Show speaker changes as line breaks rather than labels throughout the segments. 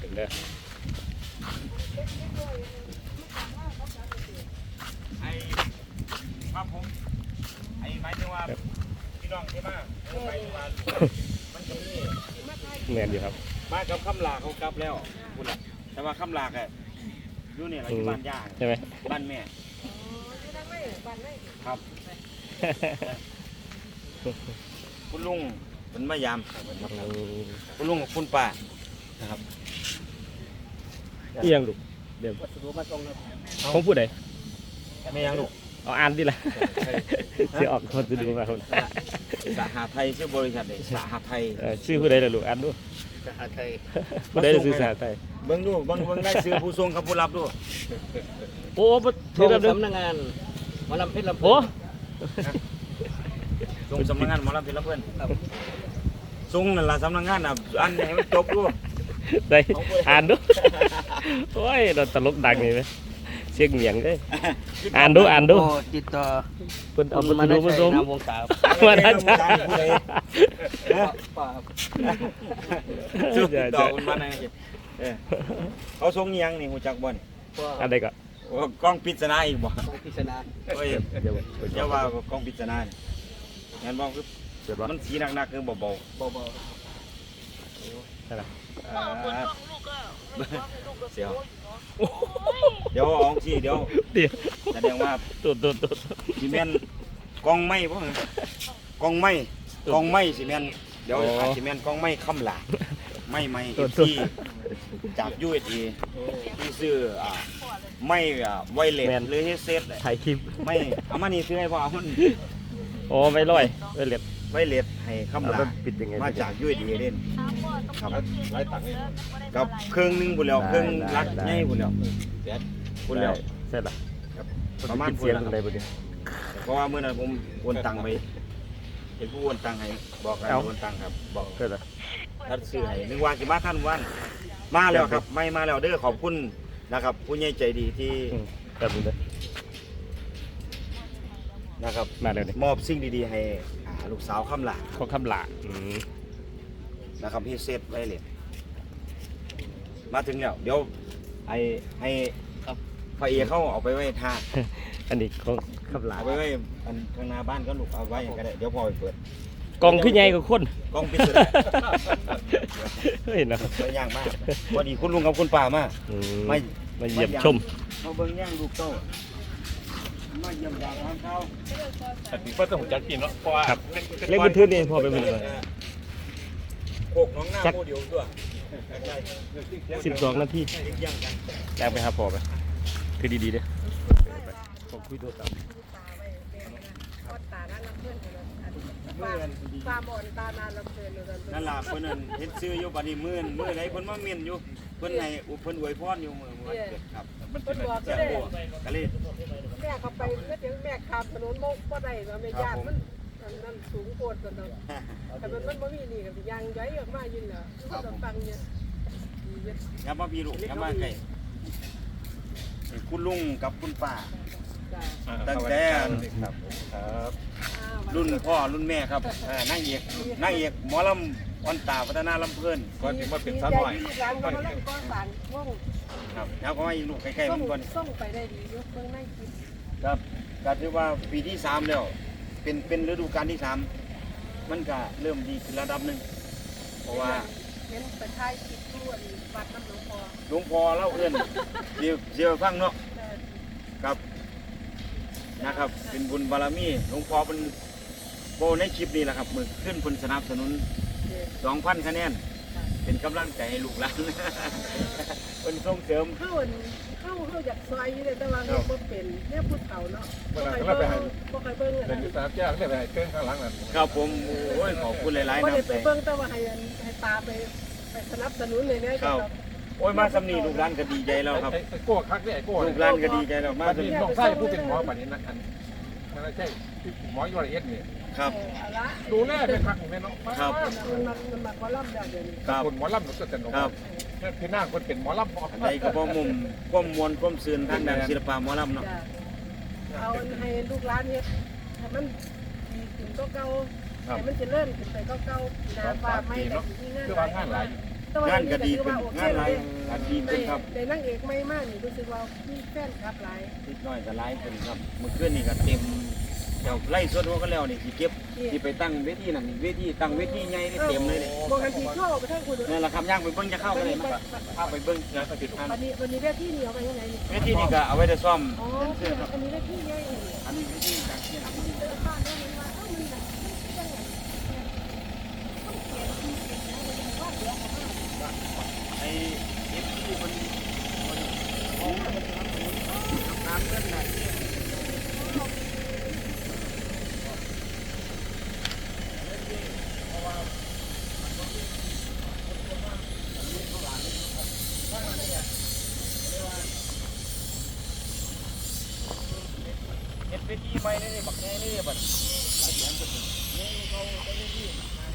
ถึงเด้อ
ไอ้ครับผมไอ้หมายถึงว่าพี่น้องใช่ไหมหมายถึงว่ามันจะมี
แม่นอยู่ครับ
มากับคำลาเขากลับแล้วคุณล่ะแต่ว่าคำลาอะอยู่เนี่ยเราอยู่บ้านย่า
ใช่ไหม
บ้านแม่ครับคุณลุงเป็นมายามคุณลุงกับคุณป้านะครับ
ที่ยังลูกเดี๋ยวของผู้ใด
ไม่ยังลูก
เอาอ่านดิล่ะเสียออกคนจะดูมาคน
สหไทยชื่อบริษัทเลยสหไทย
ชื่อผู้ใดล่ะลูกอ่านดู
สหไทย
ผู้ใดจะซื้อสหไทย
เบิ้งดูเบิ้งได้ซื้อผู้ทรงกับผู้รับดู
โอ้
ส่งสำนักงานหมอลำเพชรลำพูน
ส่งสำนักงานหมอลำเพชรลำพูนส่งนั่นล่ะสำนักงานอ่ะอันไหนมันจบดู
ได้อ่านดูโอ้ยเราตลกดังนี่ไหมเสียงเหนียงเลยอ่านดู
ติดต่อ
เพิ่นเอามาดูมาส่ง
นามวงศา
มาได้จ้า
ติดต่อคุณมาไหนเขาส่งยังนี่หูจักบ่นี่
อะไรก็
กล้องปริศนาอีกบ่
ปริศนา
เฮ้ยเดี๋ยวว่ากล้องปริศนางั้นบอกคือมันสีหนักๆคือเบา
ใช่ไหม
เดี๋ยวเอาสิเดี๋ยวแสดงว่า
ตุด
ซีเมนกองไม้ป่ะกองไม้ซีเมนเดี๋ยวซีเมนกองไม้คำหลาไม่ที่จาก USA ที่ซื้อไม่ไวเลสหรือเฮเซต
ถ่ายคลิป
ไม่เอามานี่ซื้อให้พ่อมัน
โอ้ไม่ร้อยไวเลส
ให้คำหลามาจาก USA เล่นครับ
ร้อยตังค์
กับเครื่องนึงบุญแล้วเครื่องรักง่ายบุญแล้วบุญแล้ว
เสร็จละ
ประมาณ
เสียงอะไรบุญ
เพราะว่าเมื่อนั้นผมโอนตังไปเห็นผู้โอนตังให้บอกกันโอนตังครับบอก
เกิดอะไร
ท่านซื้อให้นึกว่าสิมาท่านวันมาแล้วครับไม่มาแล้วเด้อขอบคุณนะครับผู้ใหญ่ใจดีที่
แบบนี้เลย
นะครับ
มาเลย
มอบสิ่งดีๆให้ลูกสาวคำหลา
เขาคำหลา
นะครับพี่เซฟไว้เลยมาถึงแล้วเดี๋ยวให้ไฟเอเข้าเอาไปไว้ท่า
อันนี้เขาคำหลา
เอาไปไว้ข้างหน้าบ้านก็ลูกเอาไว้ก็ได้เดี๋ยวพอไปเปิด
กองขึ้นใหญ่กับคน
กองปิดสุด
เฮ้ยนะ
ย่างมากพอดีคุณลุงกับคุณป้ามา
มาเยี่ยมชม
มาเบิ้งย่างลูกโตมาเยี่ยมยามทางเขา
แต่ปีเปิ้ลต้องจัดกินเนาะเพราะว่า
เล็กบันทึกนี่พอไปเป็นเลย
โขกน้องหน้าโมเดลตัว
12 นาทีแรงไปครับพอไปคือดีๆเด้ผมคุยตัวต่ำ
ตาบอดตานานลำเพลินเลย
นั่นล่ะเพิ่นนั่นเฮ็ดซื้ออยู่บัดนี้มื้อไหนเพิ่นมาเมียนอยู่เพิ่นให้เพิ่นอวยพรอยู่มื้อวันเกิดครับ
มันเป็นบอกก็ได้
ก็เลย
แม่เขาไปก็ถึงแม่ข้ามถนนบ่ได้ว่าแม่ญาติมันนั่นสูงโคตรกันเนาะแต่มันบ่มีนี่ก็สิยังย้อยออกมายินน่ะก็ต้องฟังเนี่ย
อย่ามาพี่ลูกอย่ามาใกล้คุณลุงกับคุณป้าตั้งแต่รุ่นพ่อรุ่นแม่ครับนั่งเอกหมอลำวันตาพัฒนาลำเพลิน
ก่อนที่มาเป็นสาวหน่อย
ครับแล้วก็มาอีกลูกใกล้ๆมันก่อน
ส่งไปได้ดียกเพิ่งไม่คิด
ครับก็ถือว่าปีที่3แล้วเป็นฤดูกาลที่3มันก็เริ่มดีขึ้นระดับหนึ่งเพราะว่า
เห็นไปท้ายคิดทั่ววัดน้ำหลวง
พ่อเล่าเอื้อนเดี๋ยวฟังเนาะครับนะครับเป็นบุญบารมีหลวงพ่อเป็นโบในคลิปนี้แหละครับมือขึ้นผลสนับสนุน 2,000 คะแนนเป็นกำลังใจให้ลูกหลานเป็นส่งเสริม
เข้าอยากซอยนี่เลยแต่ว่าเราเป็นเนี่ยพูดเก่าเนาะบ่เคยเบิ่ง
อะไรอยู่ตาแจ้งไม่ไปเครื่องข้างหลังนั่น
ครับผมโอ้ยขอบคุณหลายๆนะ
ไปเบิ่งแต่ว่าให้ตาไปสนับสนุนเลยเนี่ย
ครับโอ้ยมาสำนีลูกหลานก็ดีใจแล้วครับ
โก้คักเนี่ยโก้
ลูกหลานก็ดีใจแล้วมา
สำนีน้องไส้ผู้เป็นหมอแบบนี้นะมันไม่ใช่หมอยูเอสเนี่ย
ครับ
ดูแลเป็นคักของแม่น้อง
ครับ
มันมาหมอลำได้เดี๋ยวนี้
คนหมอลำหนูจะเป็นครับพี่นางคนเป็นหมอลำ
อะไรก็พอมุมก้มมวลก้มซื่นทางด้านศิลปะหมอลำเนาะ
เอาให้ลูกหลานเฮ็ดให้มันดีขึ้นก็เก่าให้มันเจริญขึ้นไปก็เก่าหน้าฟ้าไม่ได้มีงาน
คือว่างานหลาย
ต
งานก็ดีขึ้นงานหลายก็ดีขึ้นครับ
ได้นางเอกใหม่มากนี่รู้สึกว่ามีแฟนคลับหลาย
นิดหน่อยก็หลายขึ้นครับเมื่อคืนนี่ก็เต็มเดี๋ยวไล่สดหัวก็แล้วนี่สิเก็บสิไปตั้งเวทีนั่นเวทีตั้งเวทีใหญ่นี่เต็มเลยนี่
บอกกันทีเข้าไปทั้งคุณ
นั่นแหละครับย่างไปเบิ่งจะเข้ากันเลยมั้ยพาไปเบิ่ง
งานประสิทธิ์
วันนี้เวทีนี่เอาไปยังไงนี่
เวทีนี่ก็เอาไว้ได้ซ่อม
อ๋ออันนี้เวทีใหญ่นี่
อันนี้เวทีจากเชียงราย
บ้านได้มันว่าเอ้ามันแบบยังไง
ไอ้เอฟซีมันน้ำเงินน่ะเฮ็ดเวทีใหม่นี่บักแง่นี่บัดนี่เขาไปเวที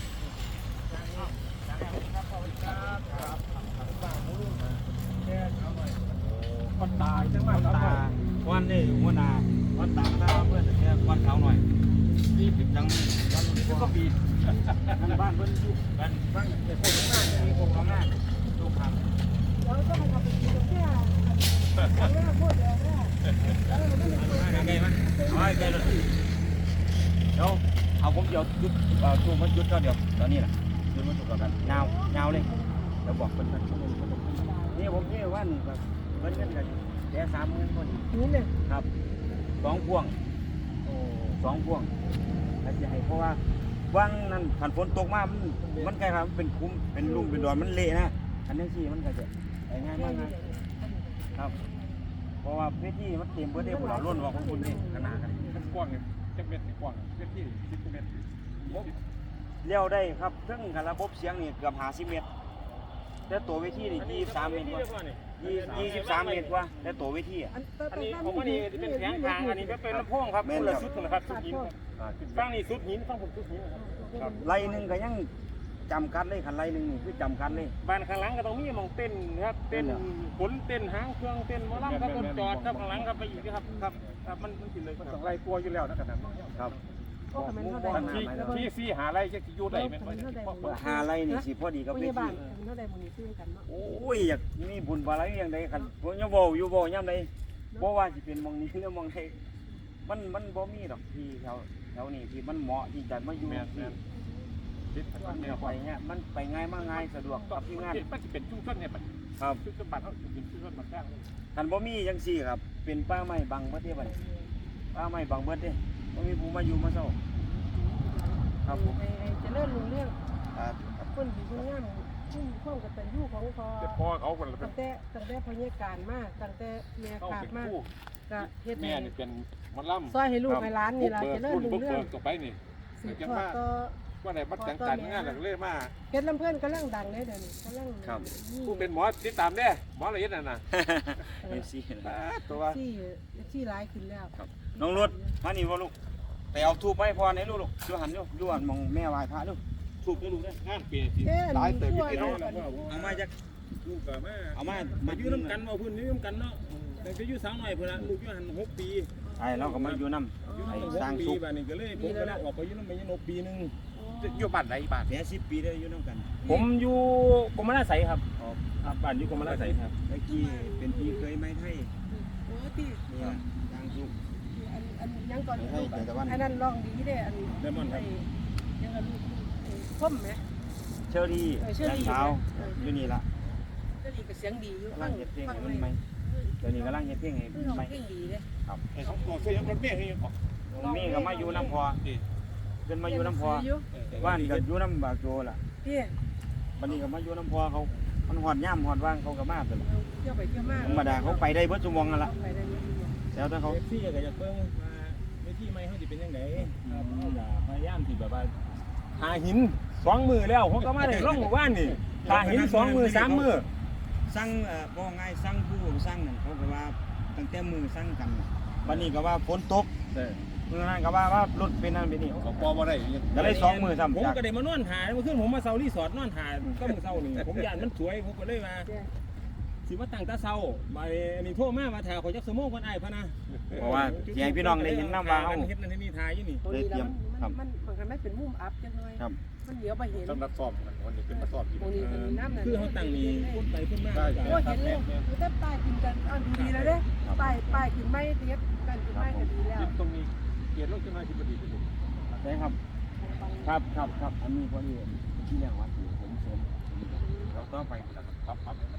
วันตาจังหวัดตาวันนี่หัวหน้าวันตาตาเพื่อนแค่วันเขาหน่อยที่ปิดจังวันนี้ก็ปีนั่นบ้านเพิ่นอยู่บ้านบ้านแต่คนข้างหน้ามีคนข้างหน้าดูครับ
แล้วก็มันเอาไปกินแค่แล้วพูดแล้วแล้วมันไม่ได้
ไงมั้ยเอาไงเลยเดี๋ยวเอาผมเดี๋ยวยุดชูมันยุดก็เดี๋ยวตอนนี้แหละยุดมันถูกกันยาวเลยเดี๋ยวบอกเพิ่นนี่ผมนี่วันแบบเพิ่นกันกันแค่30,000คน
นี่เนี่ย
ครับ2 พวง2 พวงอาจจะให้เพราะว่าวังนั้นขันฝนตกมามันกลายเป็นเป็นคุ้มเป็นลุ่มเป็นดอนมันเละนะอันนี้สิมันก็จะง่ายมากนะครับ เพราะว่าเวทีมันเต็มเบิดได้พวกเราล้นว่าของคุณนี่ขนาดกัน
มันกว้างเนี่ยจักเม็ดกว้างเม็ดที่10เมตร
เลี้ยวได้ครับซึ่งการระบบเสียงนี่เกือบ50 เมตรแต่ตัวเวทีนี่23 เมตรกว่า23 เมตรกว่าแต่ตัวเวทีอ่ะ
อันนี้ผมว่านี่เป็นแผงทางอันนี้เป็นลำโพงครับคนละชุดนะครับชุดหินฟังนี่ชุดหินฟังผมชุดหินครับ
ไล่หนึ่งก็ยังจำกัดเลยคันไล่หนึ่งนี่คือจำกัดเลย
บ้านข้างหลังก็ต้องมีมองเต้นครับเต้นฝนเต้นหางเครื่องเต้นมอลำครับบนจอดครับข้างหลังครับไปอีกครับครับมันสิเลยมันต้องไล่กลัวอยู่แล้วนะขนาดนั้น
ครับ
ก็ทำมันเท่าใด
ที่หาอะไรจะอยู่ได้ไหม
หาไล่นี่สิพอดีกับ
พ
เวที
ยาบาลเท่าใดมันซื้อกันเนาะ
โอ้ยอยากมีบุญบารมีอย่างใดคันผมยังบ่อยู่บ่ย่ำใดบ่ว่าสิเป็นหมองนี้หรือหมองใดมันบ่มีดอกที่แถวนี้ที่มันเหมาะที่จะมาอยู่ที่ไปเนี่ยมันไปง่ายมากง่ายสะดวกกับที่งาน
มันจะเป็นชุมชนเนี่ยครับชุมชนบ้านเขาเป็นชุมชนบ้านแท้
คันบ่มีจังซี่ครับเป็นป่าไม้บังเบิดเด้บัดป่าไม้บังเบิดเด้บ่มีผู้มาอยู่มาเช้าครับผม
จะเลื่อนลงเรื่องคนดีคนงามชุ่มข้องกับตันยูของพอ
แต่พ่อเขาคนละเป็
ตั้
น
งแต่พยาการมากตั้งแต่แม่
เขา
ขาด
เป็น
มาก
คู่
ก็เฮ็ด
แม่นี่เป็นมันล่ำ
ซอยให้ลูกให้ร้านนี่ล่ะจะเลื่อนลง
เบิ
เรื่อง
ต่อไปนี่
สืบทอดก็
ว่าไหนบัดจังการงานหลังเล่มา
เฮ็ดลำเพิ่นกำลังดังเลยเดี๋ยวนี้กำลัง
ผู้เป็นหมอติดตามได้หมอละเอียดน่ะ
เอฟซี
ตัว
ที่ร้ายขึ้นแล้ว
ครับน้องรถมานี่บ่ลูกไปเอาทูบไปพอให้ลูกอยู่หันอยู่หันมองแม่ไหว้พระลูกทูบให้ลูกเด้อง
านเปลี่ยนหลายเติมพี่น้อง
เอามาจาก
ลูกก็มา
เอามา
มาอยู่น้ำกันมาพื้นนี้น้ำกันเนาะแต่ก็อยู่สาวหน่อยเพื่อนลูกอยู่หัน6 ปี
ไอ้เราก็มาอยู่นำ
อยู่
ไอ้
น้ำ
สร้าง
6 ปี
สุข
บ้านนี้ก็เลยผมก็เลยออกไปอยู่น้ำไปอยู่6 ปีนึง
อยู่บ้านไหนบ้าน
แค่10 ปีได้อยู่นำกัน
ผมอยู่กรมราชไสครับครับบ้านอยู่กรมราชไสครับ
เมื่อกี้เป็นพี่เคยไม้ไทย
โอ้ที่
นี่ล่ะสร้างสุข
อันยังก่อนอันนั้นร้องดีเด้อัน
เลมอนครับ
ยังอันส้มไหม
เชอรี่และสาวอยู่นี่ล่ะ
ก็ดีกับเสียงดีอยู่
กำลังเฮ็ดเพลงให้มันใหม่เดี๋ยวนี้กำลังเฮ็ดเพลงให้
คือ
ใหม่
เพลงดีเด้
ไอ้ของตัวเสียงรถเมย์ให้ออก
มีก็มาอยู่น้ำพอขึ้นมาอยู่น้ำพอบ้านก็อยู่น้ำบากโจล่ะ
พี่
บัดนี้ก็มาอยู่น้ำพอเขามันหอดย่ำหอดว่างเขาก็มาตลอด
เที่ยวไปเที่ยวมา
ธรรมดาเขาไปได้เบิดชั่วโมงนั่นล่ะ
ไปได้ไหม
แล้วถ้าเขา
เอฟซีก็อยากเบิ่งว่าเวทีใหม่เขาสิเป็นยังไงครับเขาก็พยายามที่แบบว่าหาหิน2 มือแล้วผมก็มาได้ล่องหมู่บ้านนี่หาหิน2 มือ3 มือ
สั่งบ่ง่ายสั่งผู้สั่งนั่นเขาก็ว่าตั้งแต่มือสั่งกันน่ะบัดนี้ก็ว่าฝนตกมื้อนั้นก็ว่ารถเป็นนั่นเป็นนี่
เขาปอบ่ได้
ก็เลย2 มือซ้ำ
ผม
จาก
ก็ได้มานอนหาเมื่อคืนผมมาเซารีสอร์ทนอนหาก็มือเซานี่ผมย่านมันสวยผมก็เลยมาสิมาตั้งแตาเช้าบัดนี้อันนี้โทรมาว่าถ้าขอยจักชั่วโมงก่อนอ้ายพะนะ
เพราะว่าสิให้พี่น้องได้เห็นน้ำว่าเฮา
เฮ็ดนั่นเฮ็ดนี่ทายอยู่นี่
ตรงนี้แล้วมันบางครั้งไม่เป็นมุมอัพจังเลย
ครับ
มันเดี๋ยวไปเห็น
สำหรับสอบกันวันนี้เป็นมาสอบอยู่
ตรงนี้มันน้ำนั่น
คือเขาตั้งนี่คนไปคนมา
โอ้เห็นเลยคือแต่ป้ายกินกันอ่านดูดีแล้วเด้ป้ายกินไม่เทียบกันกินไม่ก็ดีแล้ว
ยึดตรงนี้เกียรติรถขึ้นมาที่พอดีที่สุด
ได้ครับครับอันนี้พอดีที่แรกว่าสิผมเสริมเราต่อไปครับ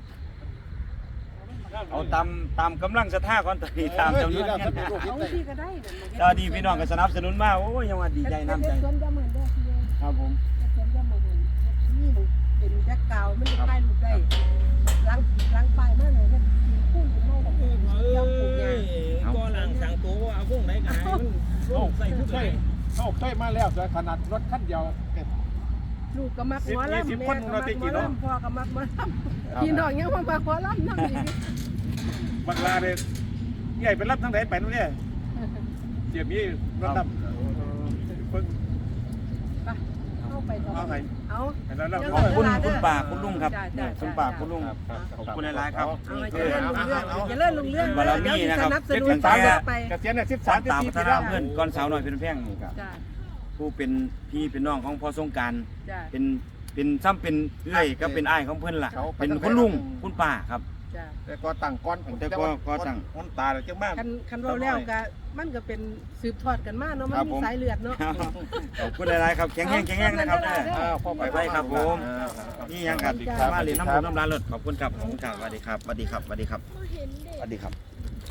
เอาตามกำลังศรัทธาก่อนตอนนี้ตามจำนวนเงิน
เอาที่ก็ได้
ตอนนี้พี่น้องก็สนับสนุนมาโอ้ยยังว่าดีใจน้ำใจ
สวนจะเหมือนเด้อพี่
ครับผม
สวนจะเหมือนนี่มันเป็นแบ็คกราวด์มันจะป้ายรูปได้ล้างป้ายมากเลยเนี่ยคู่กินไม่แบบยอมปลูกยา
ก็หลังสั่งตัวว่าเอาพวกไหนกันมันโอ้ใส่ทุกใส่
เข้าใกล้มาแล้วแต่ขนาดรถคันเดียว
ลูกก็มักหมอลำแม่ก็มักหมอลำพ่อก็มักหมอลำพี่น้องยังมามักหมอลำนั่งอีก
บางลาเนี่ยใหญ่เป็นรับทั้งไหนไปนู่นเนี่ยเจียบนี้รถรับเพิ่ง
เข้าไปต่อ
เอาไป
เอา
แล้วเรา
ขอบคุณคุณป้าคุณลุงครับคุณป้าคุณลุงขอบคุณหลายๆครับ
เอา
นี่
จะ
คือ
เลื่อนลุงเรื่องจะเลื่อนลุงเรื่อง
บารมีนะครับ
สนับสนุนไป
เกษียณเนี่ย
ตาม
13
ตาม
14
พัฒ
ปี
นา
แล้ว
เพื่อนก่อนสาวหน่อยเป็นแพงนี่ครับ
จ้า
ผู้เป็นพี่เป็นน้องของพ่อสงกราร
จ้า
เป็นซ้ำเป็นเอื้อยก็เป็นอ้ายของเพื่อนล่ะเป็นคุณลุงคุณป้าครับ
จ้า
แต่ก็ตั้งก้อน
แต่ก็ตั้ง
ก้อนตาเลยจังมาก
คันเราแล้วก็มันก็เป็นสืบทอดกันมาเนาะมันมีสายเลือดเนาะ
ขอบคุณหลายๆครับแข็งแรงนะครับไปครับผมนี่ยังกันมาเรียนน้ำผมน้ำร้านรถขอบคุณครับขอบคุณครับสวัสดีครับสวัสดีครับสวัสดีครับสวัสดีครับ